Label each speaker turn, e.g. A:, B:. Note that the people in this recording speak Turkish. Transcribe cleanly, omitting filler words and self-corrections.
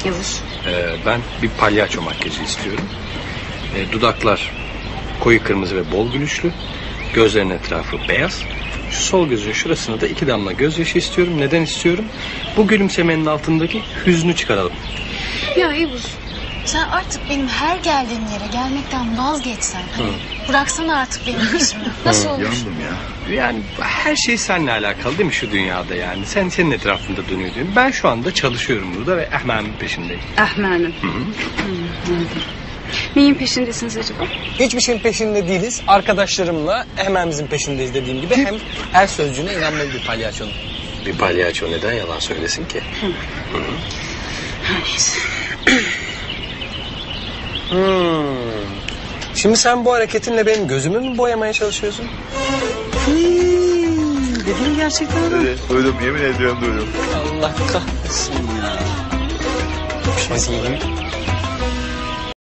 A: Yavuz.
B: Ben bir palyaço makyajı istiyorum. Dudaklar koyu kırmızı ve bol gülüşlü. Gözlerin etrafı beyaz. Şu sol gözün şurasına da 2 damla gözyaşı istiyorum. Neden istiyorum? Bu gülümsemenin altındaki hüznü çıkaralım.
A: Ya Yavuz, sen artık benim her geldiğim yere gelmekten vazgeçsen. Hani bıraksana artık benim peşimi. Nasıl olur?
C: Yandım ya.
B: Yani her şey seninle alakalı değil mi şu dünyada yani? Senin etrafında dönüyor diyorum. Ben şu anda çalışıyorum burada ve Ahmet'in peşindeyim.
A: Ahmet'in. Neyin peşindesiniz acaba?
D: Hiçbir şeyin peşinde değiliz. Arkadaşlarımla hemenemizin peşindeyiz dediğim gibi. Hem her sözcüğüne inanmalı bir palyaçonun.
B: Bir palyaço neden yalan söylesin ki?
A: Neyse.
D: Şimdi sen bu hareketinle benim gözümü mü boyamaya çalışıyorsun? Dediğin gerçekten öyle.
C: Evet, duydum, yemin ediyorum duydum.
D: Allah kahretsin ya. Şöyle giyeyim.